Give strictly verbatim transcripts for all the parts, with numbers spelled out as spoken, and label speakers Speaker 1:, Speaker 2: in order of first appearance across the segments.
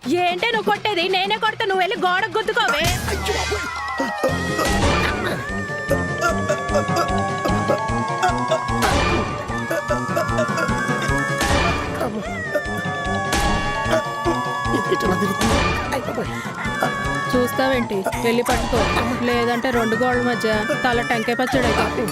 Speaker 1: ఏంటే నువ్వు కొట్టేది? నేనే కొడతా, నువ్వు వెళ్ళి గోడకు గుద్దుకోవే. చూస్తావేంటి? వెళ్ళి పట్టుకో, లేదంటే రెండు గోడల మధ్య తల టెంకాయ పచ్చడి అయితే.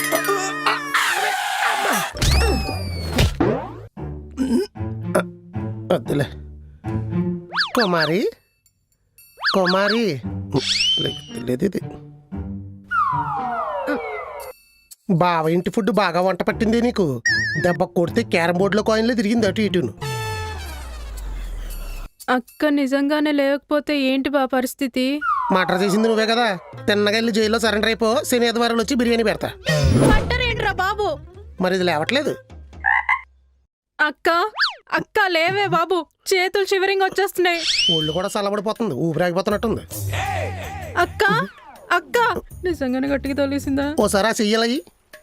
Speaker 2: వద్దులే కుమారి, కుమారి లేదు ఇది. బావ ఇంటి ఫుడ్ బాగా వంట పట్టింది నీకు. దెబ్బ కొడితే క్యారం బోర్డులో కాయిన్లో తిరిగింది అటు ఇటును.
Speaker 1: అక్క నిజంగానే లేకపోతే ఏంటి బా పరిస్థితి?
Speaker 2: మటర్ చేసింది నువ్వే కదా. తిన్నగా వెళ్ళి జైల్లో సరెండర్ అయిపో, శని ఆదివారాలు వచ్చి బిర్యానీ పెడతా.
Speaker 1: ఏంట్రా బాబు?
Speaker 2: మరి ఇది లేవట్లేదు.
Speaker 1: అక్క అక్క లేవే బాబు, చేతులు షివరింగ్ వచ్చేస్తున్నాయి.
Speaker 2: ఒళ్ళు కూడా చల్లబడిపోతుంది, ఊపిరాగిపోతున్నట్టుంది.
Speaker 1: అక్క అక్క నిజంగానే గట్టిగా తోలేసిందా?
Speaker 2: ఓసారి ఆ చెయ్యాలి.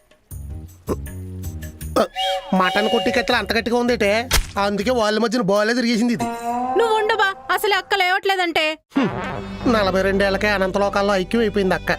Speaker 2: మటన్ కొట్టి కట్టలు అంత గట్టిగా ఉందేటే, అందుకే వాళ్ళ మధ్యన బాగాలే తిరిగేసింది ఇది.
Speaker 1: నువ్వు ఉండబా, అసలు అక్క లేవట్లేదంటే.
Speaker 2: నలభై రెండేళ్లకే అనంత లోకాల్లో ఐక్యం అయిపోయింది అక్క.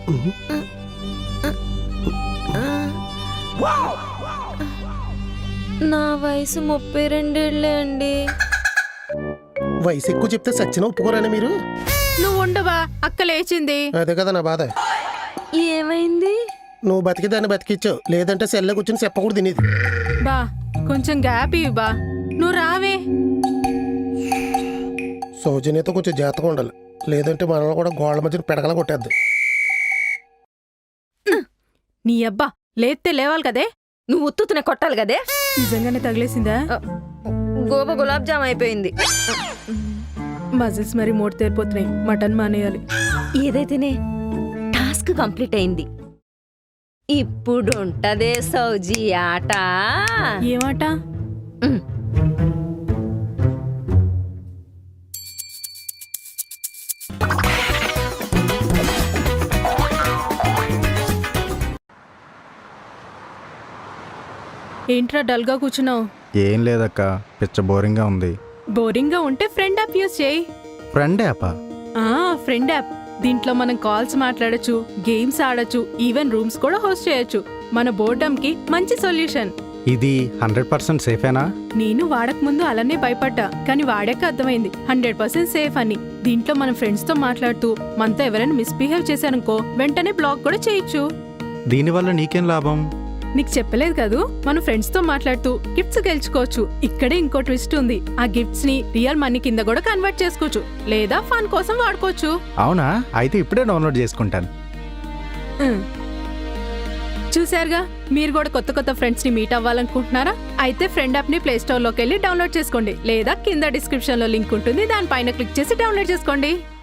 Speaker 3: నా వయసు ముప్పై రెండేళ్లే అండి.
Speaker 2: వయసు ఎక్కువ చెప్తే సచ్చిన ఒప్పుకోరని మీరు?
Speaker 1: నువ్వు ఉండబా, అక్క లేచింది.
Speaker 2: అదే కదా నా బాధ.
Speaker 3: ఏమైంది?
Speaker 2: నువ్వు బతికి దాన్ని బతికిచ్చావు, లేదంటే సెల్లో కూర్చొని చెప్పకూడదు తినేది.
Speaker 1: బా కొంచెం గ్యాప్ ఇవ్వు బా, నువ్వు రావే.
Speaker 2: సౌజన్యతో కొంచెం జాగ్రత్తగా ఉండాలి, లేదంటే మనల్ని కూడా గోళ్ళ మధ్యన పెడగల కొట్టేద్దాం.
Speaker 1: నీ అబ్బా లేస్తే లేవాలి కదే.
Speaker 3: నువ్వు ఉత్తునే కొట్టాలి కదే.
Speaker 1: నిజంగానే తగిలేసిందా?
Speaker 3: గోబ గులాబ్ జామ్ అయిపోయింది.
Speaker 1: మజిల్స్ మరి మూడు తేరిపోతున్నాయి, మటన్ మానేయాలి.
Speaker 3: ఏదైతేనే టాస్క్ కంప్లీట్ అయింది. ఇప్పుడు ఉంటదే సౌజీ ఆట.
Speaker 1: ఏమాట? ఏంట్రా డల్గా కూర్చున్నావు?
Speaker 4: ఏం లేదక్క, పిచ్చ బోరింగ్గా ఉంది.
Speaker 1: బోరింగ్గా ఉంటే ఫ్రెండ్ యాప్ యూజ్ చేయి.
Speaker 4: ఫ్రెండ్ యాపా?
Speaker 1: ఆ ఫ్రెండ్ యాప్. దీంట్లో మనం కాల్స్ మాట్లాడొచ్చు, గేమ్స్ ఆడొచ్చు, ఈవెన్ రూమ్స్ కూడా హోస్ట్ చేయొచ్చు. మన బోర్డమ్ కి మంచి సొల్యూషన్.
Speaker 4: ఇది హండ్రెడ్ పర్సెంట్ సేఫేనా?
Speaker 1: నేను వాడక ముందు అలానే భయపడ్డా, కానీ వాడాక అర్థమైంది హండ్రెడ్ పర్సెంట్ సేఫ్ అని. దీంట్లో మన ఫ్రెండ్స్ తో మాట్లాడుతూ మనతో ఎవరైనా మిస్బిహేవ్ చేశారనుకో వెంటనే బ్లాక్ కూడా చేయొచ్చు.
Speaker 4: దీనివల్ల నీకేం లాభం?
Speaker 1: నీకు చెప్పలేదు కదూ, మన ఫ్రెండ్స్ తో మాట్లాడుతూ గిఫ్ట్స్ గెలుచుకోవచ్చు. ఇక్కడే ఇంకో ట్విస్ట్ ఉంది, ఆ గిఫ్ట్స్ ని రియల్ మనీ కింద కూడా కన్వర్ట్ చేసుకోవచ్చు, లేదా ఫన్ కోసం వాడుకోవచ్చు.
Speaker 4: అవునా? అయితే ఇప్పుడే డౌన్లోడ్ చేసుకుంటాను.
Speaker 1: చూసారుగా, మీరు కూడా కొత్త కొత్త ఫ్రెండ్స్ ని మీట్ అవ్వాలనుకుంటున్నారా? అయితే ఫ్రెండ్ యాప్ ని ప్లే స్టోర్ లోకి వెళ్ళి డౌన్లోడ్ చేసుకోండి, లేదా కింద డిస్క్రిప్షన్ లో లింక్ ఉంటుంది, దానిపైన క్లిక్ చేసి డౌన్లోడ్ చేసుకోండి.